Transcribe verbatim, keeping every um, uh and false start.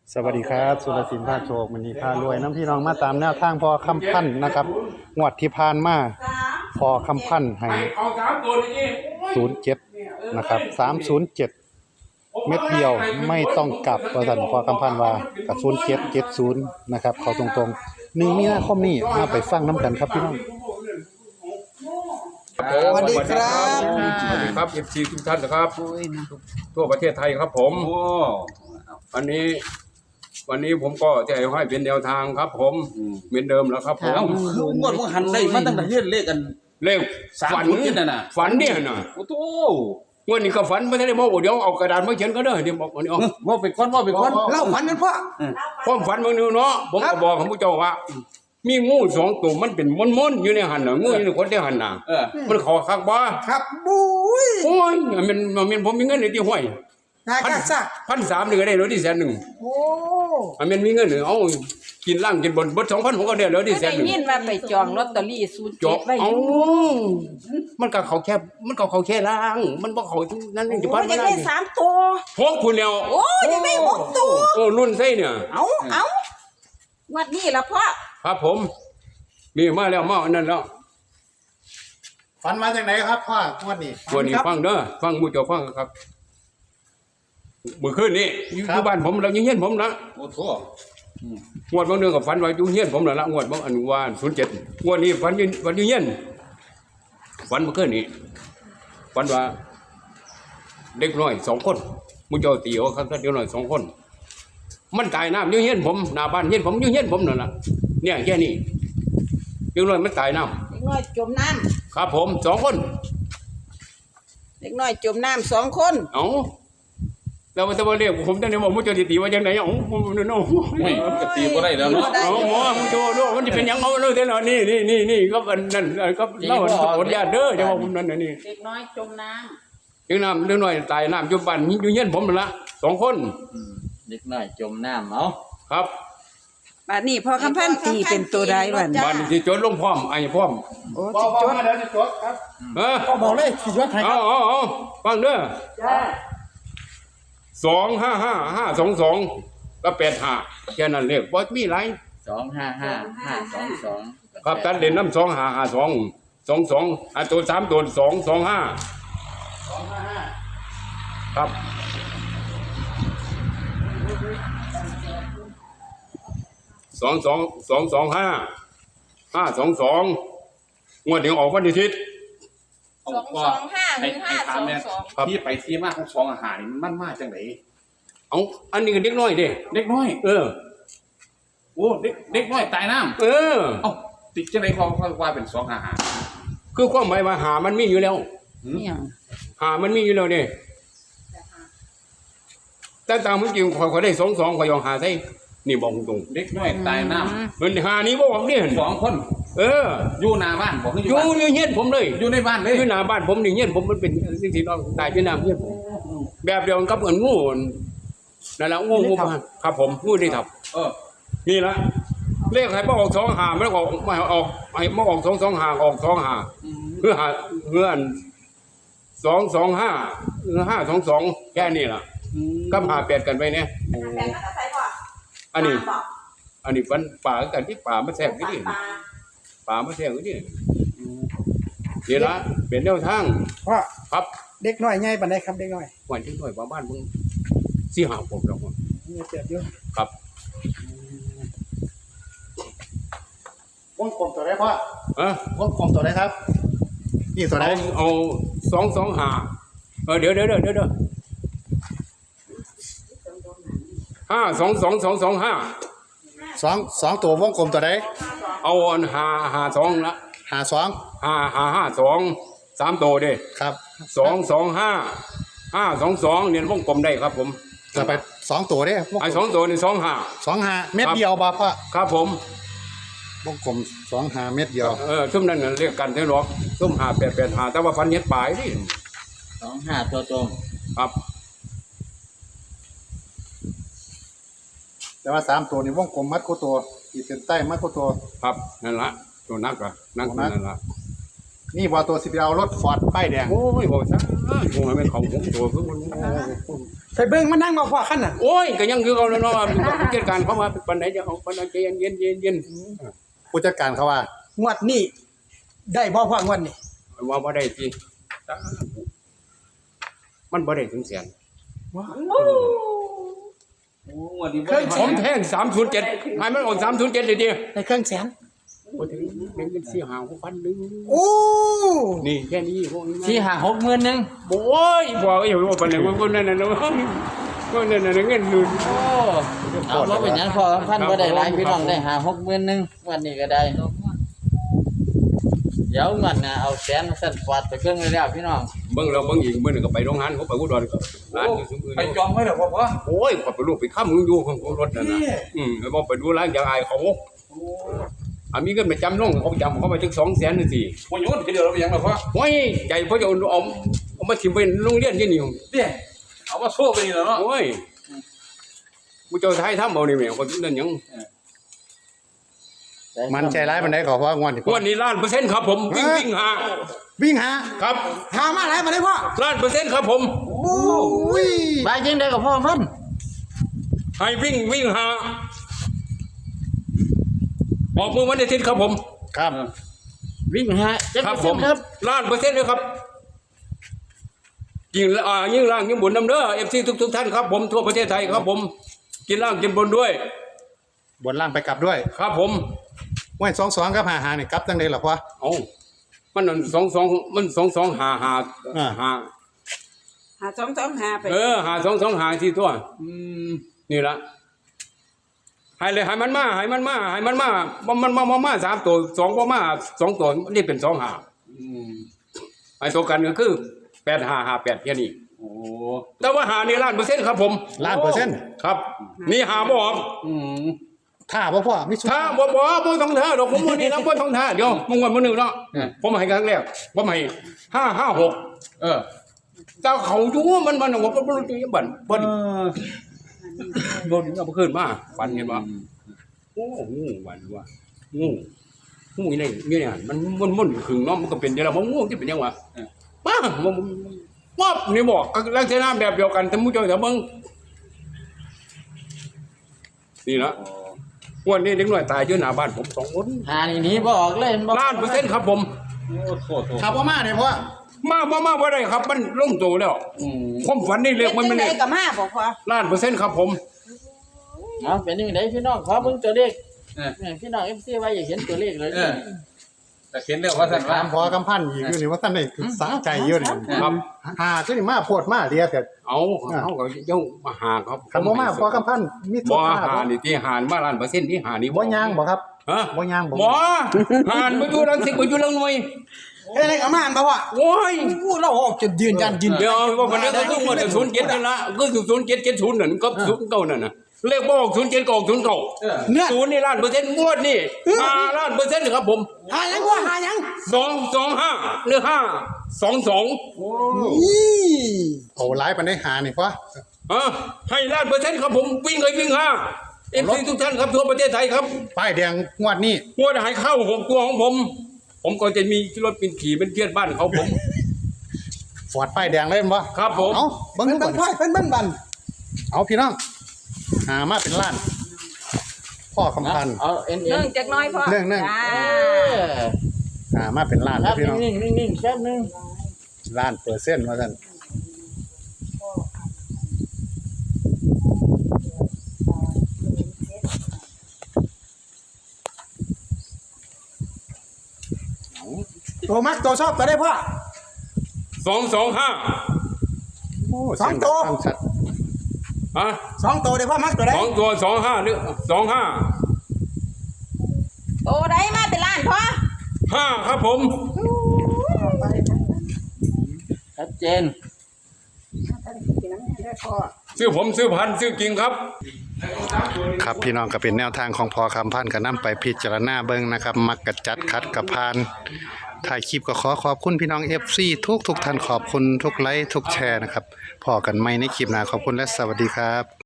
สวัสดีครับสุรศิลป์ภาคโชคมันนี้พารวยน้ำพี่น้องมาตามแนวทางพอคำพันธ์นะครับงวดที่ผ่านมาพอคำพันธ์ให้ศูนย์เจ็ดนะครับสามศูนย์เจ็ดเม็ดเดียวไม่ต้องกลับประสันพอคำพันธ์ว่ากับศูนย์เจ็ดเจ็ดศูนย์นะครับเขาตรงๆหนึ่งมีนาคมนี้มาไปฟังน้ำกันครับพี่น้องสวัสดีครับสวัสดีครับเอฟซีทุกท่านนะครับทั่วประเทศไทยครับผมอันนี้วันนี้ผมก็จะให้เป็นแนวทางครับ ผมเหมือนเดิมแล้วครับผมเอ้าคืองวดว่าหันได้มาตั้งแต่เฮ็ดเลขกันเลขสามฝันศูนย์นี่น่ะน่ะฝันเนี่ยน่ะโอ้โหงวดนี้ก็ฝันไม่ได้บอกเดี๋ยวเอากระดาษมาเขียนก็ได้เดี๋ยวบอกวันนี้เอาว่าไปก่อนว่าไปก่อนเล่าฝันกันพ่อความฝันบางนึงเนาะผมก็บอกของผู้เจ้าว่า มีงูสองตัวมันเป็นม้วนๆอยู่ในหันน่ะงูอยู่ในคนที่หันน่ะเออมันขอคักบ่ครับบุ้ยโอ้ยมันมันผมมีเงินในที่ห้วยนายพันกาซักพันสามหนึ่งก็ได้รถที่แสนหนึ่งโอ้มันมีเงินหนึ่งเอากินล่างกินบนบดสองพันผมก็ได้รถที่แสได้นหนึ่งยินว่าไปจองลอตเตอรี่ศูนย์จเจ็บดไว้อเอายู่มันก็เขาแค่มันก็เขาแค่ล่าง มันบ่เขานั่นโอ้จะพันยไม่จะได้ได้สามตัวพวกคุณแล้วโอ้ยจะได้หกตัวโอ้รุ่นไส้เนี่ยเอาเอาวัดนี้ละพ่อครับผมมีมาแล้วมาอันนั้นแล้วฝันมาจากไหนครับพ่องวดนี้วันนี้ฟังเด้อฟังมูเจ้าฟังครับเมื่อคืนนี้อยู่ที่บ้านผมเรายังเฮียนผมนะโอ้โหงวดบางเดือนกับฝันว่าอยู่เฮียนผมแล้วละงวดบางอันว่าศูนย์เจ็ดงวดนี้ฝันอยู่ฝันอยู่เฮียนฝันเมื่อคืนนี้ฝันว่า เด็กน้อยสองคนมูเจ้าตีเอาครับเด็กน้อยสองคน มันตายน้ำอยู่เฮียนผมหน้าบ้านเฮียนผมอยู่เฮียนผมนั่นแหละเนี่ยแค่นี้เด็กน้อยมันตายน้เด็กน้อยจมน้ำครับผมสองคนำเด็กน้อยจมน้ำสองคนเอ้าแล้วมันจะมาเรียกผมตั้งแต่ว่ามูเจ้าตีว่าจังไหนเอ้าผมนั่นเนาะไม่กตีบ่ได้แล้วเนาะเอาหมอมูเจ้าด้วยมันจะเป็นยังเอาเลยเท่านั้นนี่นี่นี่นี่ก็เป็นนั่นก็เล่าอดญาติเด้อจะว่าผมนั่นน่ะนี่เด็กน้อยจมน้เด็กน้ำเด็กน้อยตายน้ำอยู่บ้านอยู่เฮียนผมนั่นละสองคนเด็กน้อยจมน้ำเอาครับำบัดนี้พ่อคำพันธ์ตีเป็นตัวใดวันบ้านที่จดลงพร้อมไอ้พร้อมโอ้บอสิกจดมาเดี๋ยวจะจดครับเออก็บอกเลยสิยศไทยคเอารับเอาเอาฟังเด้อสองห้าห้าห้าสองสองก็แปดห้าแค่นั้นเลขบ่มีไรสองห้าห้าห้าสองสองครับตัดเด่นน้ำสองห้าห้าสองสองสองอ่ะตัวสามตัวสองสองห้าครับสองสองสองสองห้าห้าสองสองงวดเดียวออกวันที่ทิศสองสองห้าหรือห้าสองสองครับที่ไปที่มาของสองอาหารนี่มันมาจังได๋เอาอันนี้ก็เด็กน้อยเด้เด็กน้อยเออโอ้เด็กเด็กน้อยตายน้ำเออเอ้าติดจังได๋พอว่าเป็นสองอาหารคือความหมายว่าหามันมีอยู่แล้วเนี่ยหามันมีอยู่แล้วเนี่ยแต่ตามจริงขอยขอยได้สองสองขอยยองหาใส่นี่บอกตรงเด็กน้อยตายน้ำๆมันหานี้บ่บอกเนี่ยสองคนเอออยู่หน้าบ้านบ่คือออยู่ ยู่บ้านอยู่เฮียนผมเลยอยู่ในบ้านเลยอยู่หน้าบ้านผมนี่เฮียนผมมันเป็นสิ่งที่เราตายอยู่หน้าเฮียนผมแบบเดียวกันกับเหมือนงูนั่นแหละงูงูครับผมงูที่ทับเออนี่ละเลขใครมาออกสองหาไม่ออกไม่ออกไอ้มาออกสองสองหาออกสองหาเพื่อหาเพื่อนสองสองห้าหรือห้าสองสองแค่นี้ล่ะก็หาแปดกันไปเนี่ยอันนี้ อันนี้ฟันป่ากันที่ป่ามาแทรกนี่ดิป่ามาแทรกนี่ดิเดี๋ยวละเป็นแนวทางว่าครับเด็กน้อยไงปานใดครับเด็กน้อยวันที่หน่วยบ้านมึงสี่หาผมแล้วมีเจ็บอยู่ครับวงกลมตัวไหนพ่อเออวงกลมตัวไหนครับนี่ตัวไหนเอาเอาสองสองหาเออเดี๋ยวเดี๋ยวเดี๋ยวเดี๋ยวห้าสองสองสองสองห้าสองสองตัววงกลมตัวไหนเอาอันหาหาสองละหาสองหาหาห้าสองสามตัวเด้ครับสองสองห้าห้าสองสองเนี่ยวงกลมได้ครับผมจะไปสองตัวเด้วงไอ้สองตัวนี่สองห้าสองหาเม็ดเดียวบ่พ่อครับผมวงกลมสองหาเม็ดเดียวเออซุ่มนั่นน่ะเรียกกันได้หรอกซุ่มหาแปดแปดหาแต่ว่าฟันเฮ็ดปลายนี่สองห้าตัวตรงครับแต่ว่าสามตัวนี่วงกลมมัดคู่ตัวขีดเส้นใต้มัดคู่ตัวครับนั่นละตัวนักอะนักนั่นละนี่บ่ตัวสิไปเอารถฟอร์ดป้ายแดงโอ้ยโหซะโอ้ยไม่เขาผมตัวคือมันไปเบิ่งมานั่งมาพ่อขั้นน่ะโอ้ยก็ยังคือเอาแล้วเนาะผู้จัดการเขามาปันไหนจะเอาปันไหนใจเย็นเย็นเย็นเย็นผู้จัดการเขาว่างวดนี้ได้บ่พ่องวดนี้ว่าบ่ได้สิมันบ่ได้ถึงแสนว้าโอ้วันนี้เครื่องผมแทงสามศูนย์เจ็ดให้มันออกสามศูนย์เจ็ดเลยดิได้เครื่องแสนบ่ถึงเงินเป็นสี่หาหกพันหนึงโอ้นี่แค่นี้พวกนี้สี่ห่างหกหมื่นหนึ่งโอ้ยบอกอยู่ว่าปานไหนว่าคนนั้นน่ะนะคนนั้นน่ะเงินหมื่นโอ้เอาว่าเป็นหยังพอพันบ่ได้หลายพี่น้องได้หาหกหมื่นหนึ่งวันนี้ก็ได้เดี๋ยวเงินน่ะเอาแสนสั่นฟาดไปเครื่องเลยแล้วพี่น้องเบิ่งเราเบิ่งอีกมื้อนึงก็ไปโรงงานเขาไปอุดรก็ร้านอยู่ซุมอื่นไปจองไว้แล้วพ่อพ่อโอ้ยขอยไปลูกไปค้ำมึงอยู่ของรถนั่นน่ะอืมแล้วบ่ไปดูร้านอย่างอายเขาอามีเงินไปจำลงเขาจำเขาไปถึงสองแสนนึงสิบ่อยู่เดี๋ยวเราไปยังล่ะพ่อโอ้ยใจเพราะจะเอาเอาเอามาถิ่มไปโรงเรียนที่นี่เด้เอามาโซ่ไปนี่แล้วเนาะโอ้ยกูเจ้าไทยทำเอานี่แม่คนนั่นหยังมันใจร้ายมันได้ขอเพราะงวดที่วันนี้ล้านเปอร์เซ็นต์ครับผมวิ่งวิ่งหาวิ่งหาครับหามาแล้วมาได้พ่อล้านเปอร์เซ็นต์ครับผมโอ้ยบายจังได้กับพ่อพันให้วิ่งวิ่งหาออกมือวันอาทิตย์ครับผมครับวิ่งหาจักครับเปอร์ผเซ็นมต์ครับล้านเปอร์เซ็นต์เลยครับยิ่งอ่ายิ่งล่างยิ่งบนน้ำเด้อเอฟซีทุกทุกท่านครับผมทั่วประเทศไทยครับผมกินล่างกินบนด้วยบนล่างไปกลับด้วยครับผมว่าสองสองกับหาหานี่กลับจังได๋ล่ะพ่อเอามันนั่นสองสองมันสองสองหาหาอ่าหาหาสองสองหาไปเออหาสองสองหาที่ตัวอืมนี่ละให้เลยให้มันมาให้มันมาให้มันมามันมันมามามาสามตัวสองมามาสองตัวนี่เป็นสองหาอืมไอ้ตัวกันก็คือแปดหาหาแปดแค่นี้โอ้แต่ว่าหานี่ล้านเปอร์เซ็นต์ครับผมล้านเปอร์เซ็นต์ครับ นี่หาบ่ออกอืมถ้าบ่พ่อมีสุดถ้าบ่บ่บ่ต้องท่าดอกผมวันนี้นะบ่ต้องท่าเดี๋ยวมึงวันมื้อนึงเนาะผมให้ครั้งแรกผมให้ห้าห้าหกเออเจ้าเขาอยู่มันมันว่าบ่รู้จักบันบ่เออบ่เอาไปขึ้นมาปันเห็นบ่โอ้งูวันว่างูงูนี่นี่เนี่ยมันมันๆขึงเนาะมันก็เป็นเดี๋ยวมันงูที่เป็นยังวะมามันป๊อบนี่บอกลักษณะแบบเดียวกันแต่มู้เจ้าแต่เบิ่งนี่ละวันนี้เด็กน้อยตายอยู่หน้าบ้านผมสองคนหานี่หนีบ่ออกเลยบ่ล้านเปอร์เซ็นต์ครับผมโอ้โทษโทษถ้าบ่มาเนี่ยพ่อมาบ่มาบ่ได้ครับ มันลงตัวแล้วอืมความฝันนี่เรียกมันเป็มัน นจังนี่ไดกับมาบอกพ่อล้านเปอร์เซ็นต์ครับผมเอาเป็นยังไงพี่น้องขอเบิ่งตัวเลขเออพี่น้อง เอฟ ซี ว่าอยากเห็นตัวเลขเลยเออ แต่เขียนเรื่องว่าสันถามพอกำพันอีกอยู่นี่ว่าท่านได้สาใจอยู่นี่ครับหาคือนี่มาโพดมาเดียแต่เอาเขาก็เจ้ามาหาครับคันบ่มาพอกำพันมีทุบ่กหาหานี่ที่หานมาล้านเปอร์เซ็นต์ที่หานี่บ่ย่างบ่ครับฮะบ่ย่างบ่บ่หานบ่อยู่รังสิตบ่อยู่รังหน่วยเฮ้ยอะไรกับมาอันบ่พ่อโอ้ยกูเราออกจนยืนยันยืนเดี๋ยวว่ามันก็คือมันศูนย์เจ็ดนั่นละก็คือศูนย์เจ็ดเจ็ดศูนย์นั่นก็ศูนย์เก้านั่นน่ะเลขบ่ออกศูนย์เจ็ดก็ออกศูนย์เก้าเนี่ยศูนย์นี่ล้านเปอร์เซ็นต์งวดนี่ห้าล้านเปอร์เซ็นต์ครับผมหายังพ่อหายังสองสองห้าหรือห้าสองสองนี่โอ้หลายปานได้หานี่พ่ออ่ะให้ล้านเปอร์เซ็นต์ครับผมวิ่งเลยวิ่งห้าเอฟซีทุกท่านครับทั่วประเทศไทยครับป้ายแดงงวดนี้งวดหายเข้าหกตัวของผม ผมก็จะมีรถเป็นขี่เป็นเพื่อนบ้านเขาผมฟอดป้ายแดงเลยบ่ครับผมเอ้าเบิ่งเพิ่นก่บัอน นพ่อยเพิ่นบันบันเอาพี่น้องหามาเป็นล้าน พ่อคำพันธ์เอาเอ็นเอ็เนื่นองจากน้อยพ่อเนื่องเนื่องจ้าเออหามาเป็นล้านคเลรัยบพี่น้องนิ่งๆนิ่งๆแป๊บนึงล้านเปอร์เซ็นต์ว่าซั่นตัวมักตัวชอบตัวได้พ่อสองสองห้าโอ้สองตัวเสียดัฟัชัดฮะสองตัวได้พ่อมักตัวได้สองตัวสองห้าหรือสองห้าโตได้มาเป็นล้านพ่อห้าครับผมชัดเจนซื้อผมซื้อพันซื้อกิ่งครับครับพี่น้องก็เป็นแนวทางของพอคำพันธ์ก็นำไปพิจารณาเบิ่งนะครับ มักกะจัดคัดกับพานถ่ายคลิปก็ขอขอบคุณพี่น้อง เอฟ ซี ทุกทุกท่านขอบคุณทุกไลค์ทุกแชร์นะครับพอกันใหม่ในคลิปหน้าขอบคุณและสวัสดีครับ